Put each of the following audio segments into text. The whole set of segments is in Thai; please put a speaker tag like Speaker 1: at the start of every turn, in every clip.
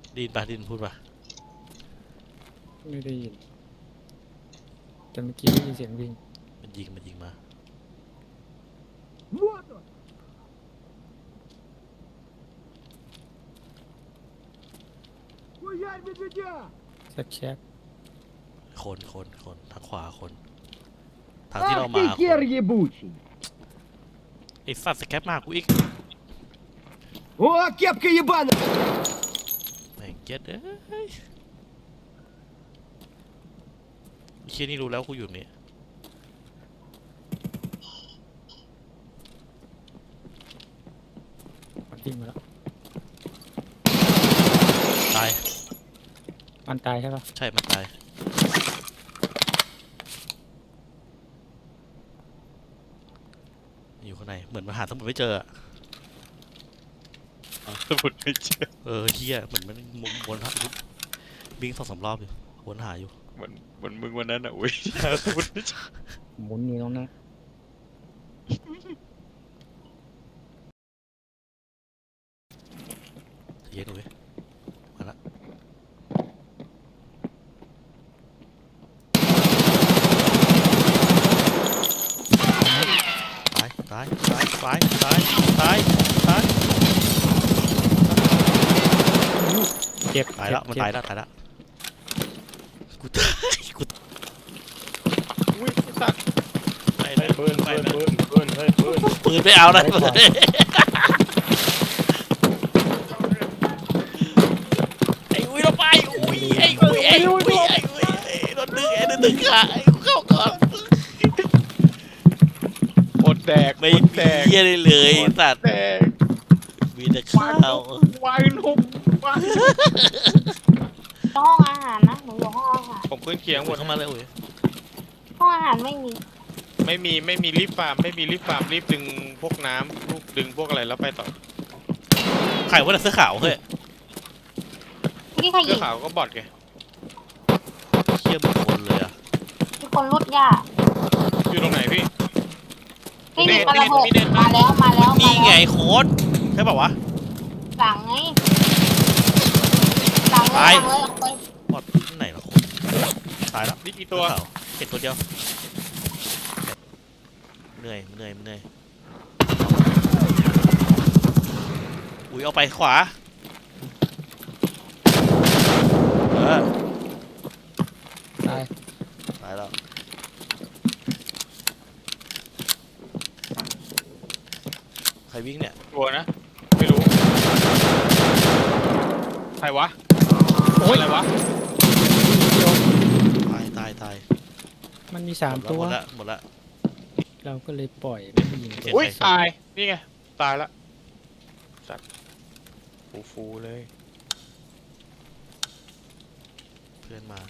Speaker 1: ดินปะดินพูดปะ
Speaker 2: ไม่ได้ยินแต่เมื่อกี้ได้ยินเสียงวิ่ง
Speaker 1: มันยิงมา
Speaker 2: สักแช็ค
Speaker 1: คนทางขวาคนทางที่เรามาไอ้สัตว์สแคปมากูอีก
Speaker 3: โอ้เก็บกี่บ้าน
Speaker 1: แม่งเจ็ดเอ้ยเชี่ยนี่รู้แล้วกูอยู่นี่
Speaker 2: มันวิ่งมาแล้ว
Speaker 1: ตาย
Speaker 2: มันตายใช่ปะ
Speaker 1: ใช่มันตายอยู่ข้างในเหมือนมันหาสมุดไม่เจอ
Speaker 4: สมุดไม่เจอ
Speaker 1: เฮียเหมือนมันวนหาวิ่ง2-3 รอบอยู่วนหาอยู่
Speaker 4: เหมือนมึงวันนั้นอ่ะอุ้ยสมุดไม่เจอ
Speaker 2: หมุนอยู่ตรงนั้น
Speaker 1: เย็นเลยมาละตาย
Speaker 2: เจ็บ
Speaker 1: ตายแล้วมันตายแล้วกูตาย
Speaker 4: อุ้ยสัตว์
Speaker 1: ไปเลย
Speaker 4: ปืน
Speaker 1: ปืน
Speaker 4: ไม่
Speaker 1: เอาเลยปืนไอ้อุ้ยเราไปอุ้ยไอ้อุ้ยโดนดึงขาไอ้กูเข้าก่อน
Speaker 4: หมดแดก
Speaker 1: ไม่เยี่ยเลยสัตว์
Speaker 4: แดก
Speaker 1: มีแต่ข้าว
Speaker 4: วายนุ่มวาย
Speaker 5: ห้องอาหารนะหนูอยู่ห้องอาหาร
Speaker 4: ผมขึ้นเคียงหมด
Speaker 1: เข้ามาเลยอุ้ย
Speaker 5: ห้องอาหารไม่มี
Speaker 4: รีบฟาร์มรีบดึงพวกน้ำลูกดึงพวกอะไรแล้วไปต่อ
Speaker 1: ใครว่าแต่เสื้อขาวเฮ้ย
Speaker 5: นี่ใครยิ
Speaker 4: เสื้อง ขาวก็บอดไง
Speaker 1: เชี่ยมึงคนเลยอ่ะ
Speaker 5: มีคนรุดยา
Speaker 4: อยู่ตรงไหนพี่
Speaker 5: ไม่มีกระเบิดมาแล้ว
Speaker 1: นี่ไงโค้ดใช่ป่าวะ
Speaker 5: หลังไงหลังเลย
Speaker 1: บอดไหนล่ะโค้ดตายแล้ว
Speaker 4: นี่กี่ตัว
Speaker 1: เห็นตัวเดียวเหนื่อยอุ้ยเอาไปขวา
Speaker 2: ตาย
Speaker 1: แล้วใครวิ่งเนี่ย
Speaker 4: ตัวนะไม่รู้ใครวะโอ้ยอะไรวะ
Speaker 1: ตาย
Speaker 2: มันมี3 ตัว
Speaker 1: หมดละ
Speaker 2: เราก็เลยปล่อยไม่ยิง
Speaker 4: อุ้ยตายนี่ไงตายละจัดฟูเลย
Speaker 1: เพื่อนมา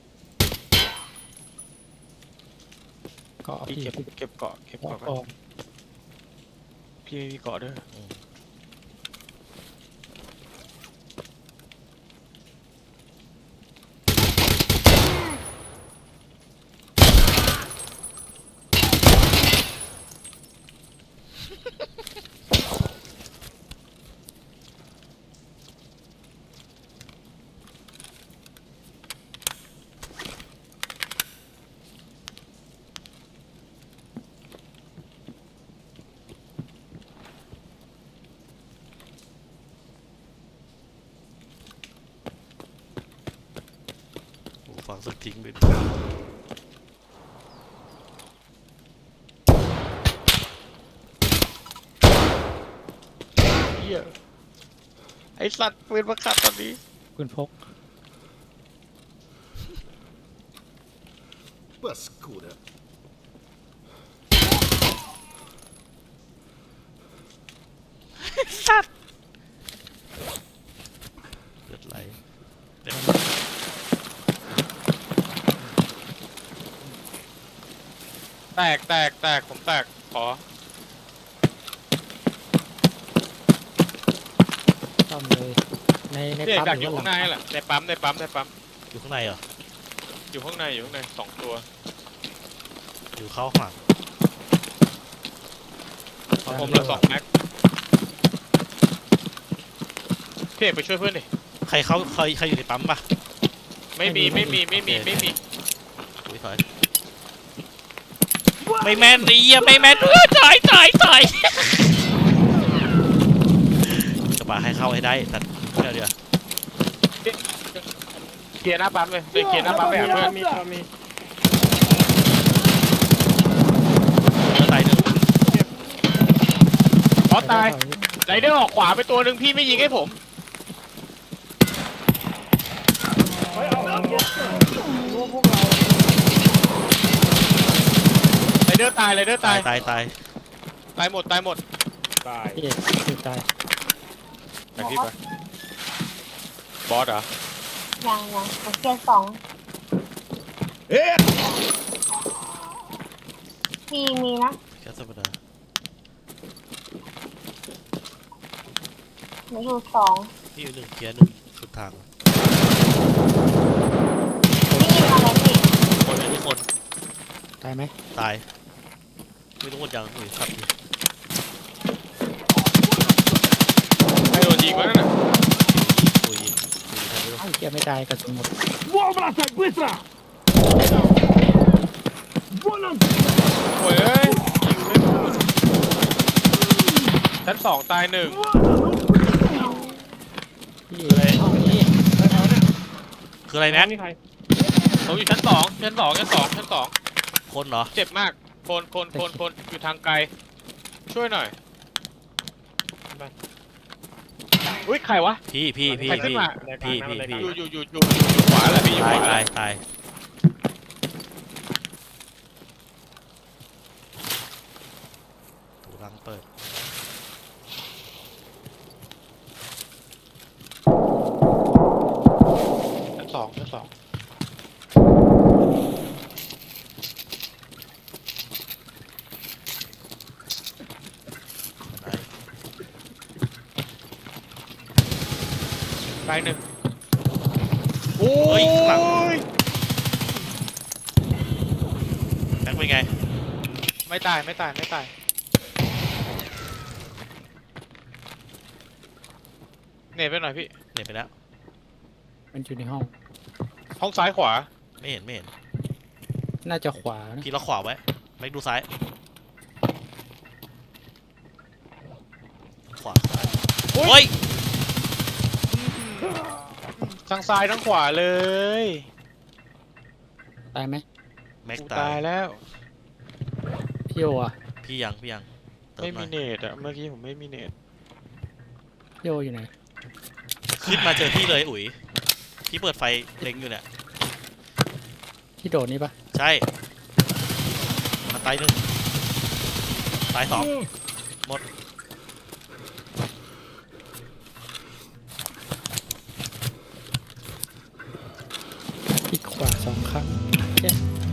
Speaker 2: เกาะ
Speaker 4: พี่
Speaker 2: พี่
Speaker 4: เก็บเกาะ
Speaker 2: ออก
Speaker 4: พี่ไม่มีเกาะด้วย
Speaker 1: ฟังสักทิ้งไป
Speaker 4: เหี้ยไอสัตว์ปืนมาขัดตอนนี้
Speaker 2: ปืนพก
Speaker 3: Паскуда.
Speaker 1: สัตว์เลือดไหล
Speaker 4: แตกผมแตกขอ
Speaker 2: ซ่อมเลยใน
Speaker 4: ปั๊ม
Speaker 2: ปั๊ม
Speaker 4: อยู่ข้างในแหละในปั๊ม
Speaker 1: อยู่ข้างในเหรอ
Speaker 4: อยู่ข้างใน2 ตัว
Speaker 1: อยู่เข้าข้างหลัง
Speaker 4: ผมละ2 แม็กพี่เอกไปช่วยเพื่อนดิ
Speaker 1: ใรอยู่ในปั๊มปะ
Speaker 4: ไม่มี
Speaker 1: อุ้ยถอยไม่แม่นไอ้เหี้ยไม่แม่นถอยกระบะให้เข้าให้ได้แต่เดี๋ยว
Speaker 4: เคลียร์หน้าปั๊มเลยเคลียร์หน้าปั๊มไปหาเพื่อน
Speaker 2: มี
Speaker 1: ตายหนึ่ง
Speaker 4: อ๋อตายไรเดอร์ออกขวาไปตัวหนึ่งพี่ไม่ยิงให้ผมไรเดอร์ตาย
Speaker 1: ตาย
Speaker 4: ตายหมด
Speaker 2: พี่เอกคือตาย
Speaker 4: ไปพี่ไปบอสเหรอ
Speaker 5: ยังผมเกียร์สอง
Speaker 3: Эх!
Speaker 5: มีนะ
Speaker 1: แค่ธรรมดา
Speaker 5: หนูอยู่สอง
Speaker 1: พี่อยู่หนึ่งเกียร์หนึ่งสุดทาง
Speaker 5: นี่ยิงอะไรพี่
Speaker 1: คนเลยทุกคน
Speaker 2: ตายไหม
Speaker 1: ตายไม่รู้หมดยังอุ้ยครับดิ
Speaker 4: ใครโดนยิงวะนั่นน่ะ
Speaker 1: อุ้ยใครไม่รู้
Speaker 2: เอ้าเกียไม่ตายกระสุนหมด
Speaker 3: Вон бросать, быстро! Вон он!
Speaker 4: โอ้ยเอ้ยยิงไม่โดนชั้นสองตายหนึ่ง
Speaker 2: พี่เอกนี่
Speaker 1: คืออะไรนะ
Speaker 4: ผมอยู่ชั้นสอง
Speaker 1: คนเหรอ
Speaker 4: เจ็บมากคนอยู่ทางไกลช่วยหน่อยอุ้ยใครวะ
Speaker 1: พี่
Speaker 4: ใครขึ้นมา อยู่ขวาแหละพี่อยู่ขวาแหละ
Speaker 1: ตายถูรังเปิด
Speaker 4: ชั้นสอง ตายหนึ่งโอ้
Speaker 1: เฮ้
Speaker 4: ย
Speaker 1: ยข้างหลังแม็กเป็นไง
Speaker 4: ไม่ตายเน็ตไปหน่อยพี่
Speaker 1: เน็ตไปแล้ว
Speaker 2: มันอยู่ในห้อง
Speaker 4: ห้องซ้ายขวา
Speaker 1: ไม่เห็น
Speaker 2: น่าจะขวานะ
Speaker 1: พี่ล็อกขวาไว้แม็กดูซ้ายขวาโอ้ย
Speaker 4: ทั้งซ้ายทั้งขวาเลย
Speaker 2: ตายไหม
Speaker 1: แม็ก
Speaker 4: กู
Speaker 1: ตา
Speaker 4: ตาย
Speaker 1: ย
Speaker 4: แล้ว
Speaker 2: พี่โออ่ะ
Speaker 1: พี่ยังเติ
Speaker 4: ไม่
Speaker 1: หน่
Speaker 4: มี
Speaker 1: อย
Speaker 4: เน็ตอะเมื่อกี้ผมไม่มีเน็ต
Speaker 2: พี่โออยู่ไหน
Speaker 1: ขึ้นมาเจอพี่เลยอุ๋ยพี่เปิดไฟเล็งอยู่เนี่ย
Speaker 2: ที่โดดนี่ปะ
Speaker 1: ใช่มันตายหนึ่งตายสองหมด
Speaker 2: คลิกขวา2 ครั้งโอเค